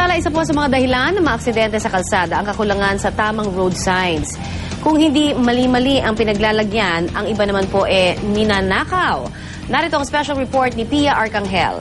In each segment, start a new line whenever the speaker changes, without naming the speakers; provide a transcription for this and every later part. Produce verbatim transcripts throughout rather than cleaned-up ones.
Samantala, isa po sa mga dahilan ng mga aksidente sa kalsada ang kakulangan sa tamang road signs. Kung hindi mali-mali ang pinaglalagyan, ang iba naman po eh ninanakaw. Narito ang special report ni Pia Arcangel.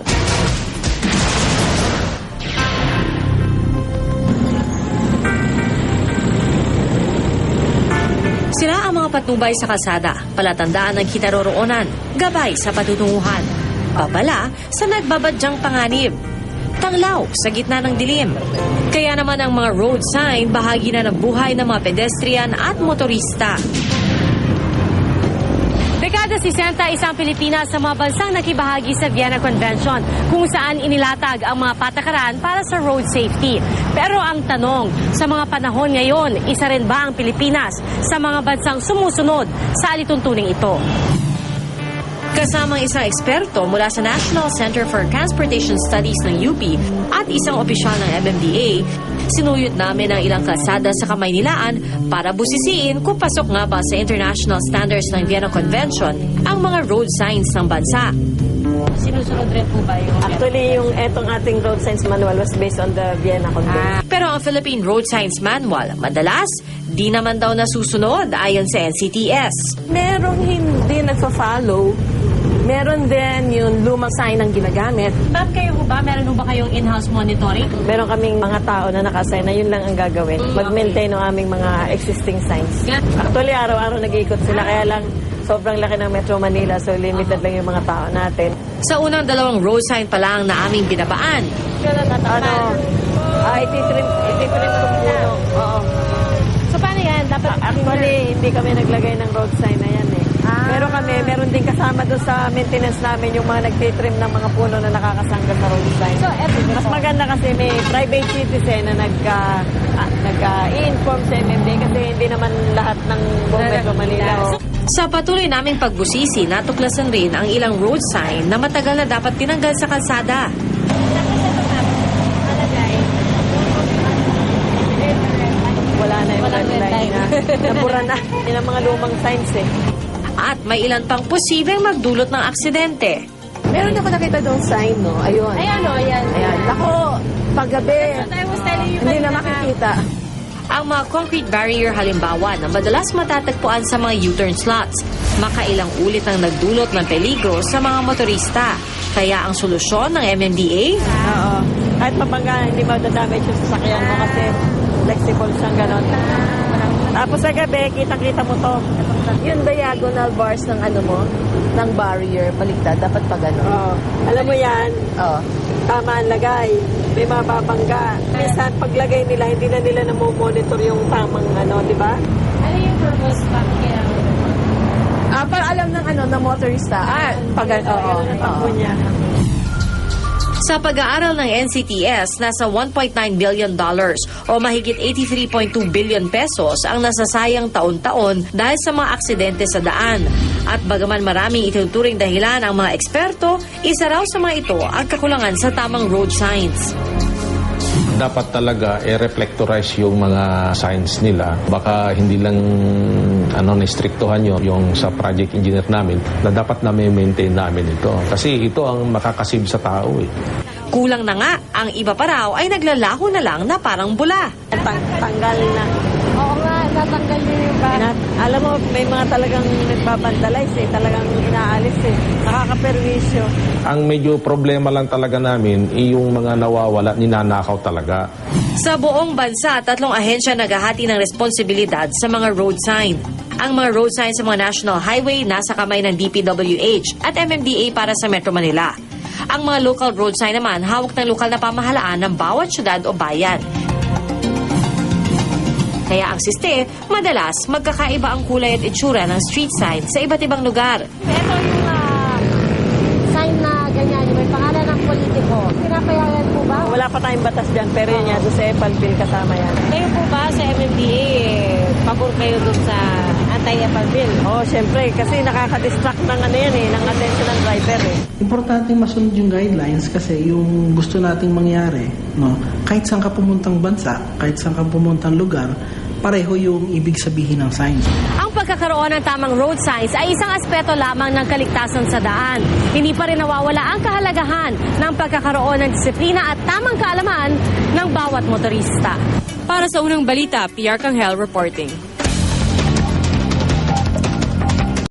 Sira ang mga patnubay sa kalsada, palatandaan ng kinaroroonan, gabay sa patutunguhan. Babala sa nagbabadyang panganib. Tanglaw sa gitna ng dilim. Kaya naman ang mga road sign bahagi na ng buhay ng mga pedestrian at motorista. Dekada sesenta, isang Pilipinas sa mga bansang nakibahagi sa Vienna Convention kung saan inilatag ang mga patakaran para sa road safety. Pero ang tanong, sa mga panahon ngayon, isa rin ba ang Pilipinas sa mga bansang sumusunod sa alituntuning ito? Kasamang isang eksperto mula sa National Center for Transportation Studies ng U P at isang opisyal ng M M D A, sinuyot namin ang ilang kalsada sa Kamaynilaan para busisiin kung pasok nga ba sa international standards ng Vienna Convention ang mga road signs ng bansa. Sinusunod rin po ba yung...
Actually, yung etong ating road signs manual was based on the Vienna Convention.
Ah. Pero ang Philippine Road Signs Manual, madalas, di naman daw nasusunod ayon sa N C T S.
Merong hindi nagpa-follow. Meron din yung lumang sign ang ginagamit.
Ma'am, kayo po ba? Meron po ba kayong in-house monitoring?
Meron kaming mga tao na nakasign na yun lang ang gagawin. Mag-maintain ng aming mga existing signs. Actually, araw-araw nag-iikot sila. Kaya lang, sobrang laki ng Metro Manila. So, limited lang yung mga tao natin.
Sa unang dalawang road sign pa lang na aming binabaan.
Ano? Ah, ititrim, ititrim kung puno. Oo.
So, paano yan? Dapat
Actually, hindi kami naglagay ng road sign na yan eh.
Ah.
Pero kami, meron din kasama doon sa maintenance namin yung mga nagtitrim ng mga puno na nakakasangga sa road sign.
So, everything
Mas
po.
maganda kasi may private citizen na nagka, ah, nag-i-inform sa M M D A kasi hindi naman lahat ng buong Metro Manila. Oh.
Sa patuloy naming pagbusisi, natuklasan rin ang ilang road sign na matagal na dapat tinanggal sa kalsada.
Wala na yung red line na. Nabura na. Yan ang mga lumang signs eh.
At may ilan pang posibleng magdulot ng aksidente.
Meron ako nakita doon sign, no? Ayun.
Ayan o, ayan.
Ayan. Ako, paggabi, hindi na makikita.
Ang mga concrete barrier halimbawa na madalas matatagpuan sa mga U-turn slots, makailang ulit ang nagdulot ng peligro sa mga motorista. Kaya ang solusyon ng M M D A?
Oo. Kahit mapangga, hindi madadamage yung sasakyan mo kasi flexible siyang ganon. Tapos sa gabi, kitang-kita mo to.
Yung diagonal bars ng ano mo, ng barrier, baligtad, dapat pa gano'n.
Oo. Alam mo yan,
Oo.
tama ang lagay. May mababangga. Minsan, paglagay nila, hindi na nila namomonitor yung tamang ano, di ba?
Ano yung purpose pa?
Ah, para alam ng ano, ng motorista. Ah, pag oo.
Ganun ang takbo niya.
Sa pag-aaral ng N C T S, nasa one point nine billion dollars o mahigit eighty-three point two billion pesos ang nasasayang taon-taon dahil sa mga aksidente sa daan. At bagaman maraming itinuturing dahilan ang mga eksperto, isa raw sa mga ito ang kakulangan sa tamang road signs.
Dapat talaga i-reflectorize yung mga signs nila. Baka hindi lang ano na-strictohan yun yung sa project engineer namin na dapat namin maintain namin ito. Kasi ito ang makakasib sa tao eh.
Kulang na nga, ang iba pa raw ay naglalaho na lang na parang bula.
Tang tanggal na.
Oo nga, natanggal niyo yung
Na, alam mo, may mga talagang nagbabandalize eh. Talagang inaalis eh. Nakakaperwisyo.
Ang medyo problema lang talaga namin ay yung mga nawawala, ninanakaw talaga.
Sa buong bansa, tatlong ahensya naghahati ng responsibilidad sa mga road sign. Ang mga road sign sa mga national highway nasa kamay ng D P W H at M M D A para sa Metro Manila. Ang mga local road sign naman hawak ng lokal na pamahalaan ng bawat syudad o bayan. Kaya ang siste, madalas magkakaiba ang kulay at itsura ng street sign sa iba't ibang lugar.
Ito yung uh, sign na ganyan, yung may pangalan ng politiko. Pinapayagan po ba?
Wala pa tayong batas dyan, pero yun yan, doon sa Epal Bill kasama yan.
Kayo po ba sa M M D A, eh, pabor kayo dun sa anti-Epal Bill?
Oo, oh, syempre, kasi nakaka-distract ng ano yan eh, ng attention ng driver eh.
Importante masunod yung guidelines kasi yung gusto nating mangyari, no? Kahit saan ka pumuntang bansa, kahit saan ka pumuntang lugar, pareho yung ibig sabihin ng signs.
Ang pagkakaroon ng tamang road signs ay isang aspeto lamang ng kaligtasan sa daan. Hindi pa rin nawawala ang kahalagahan ng pagkakaroon ng disiplina at tamang kaalaman ng bawat motorista. Para sa unang balita, P R Canghel reporting.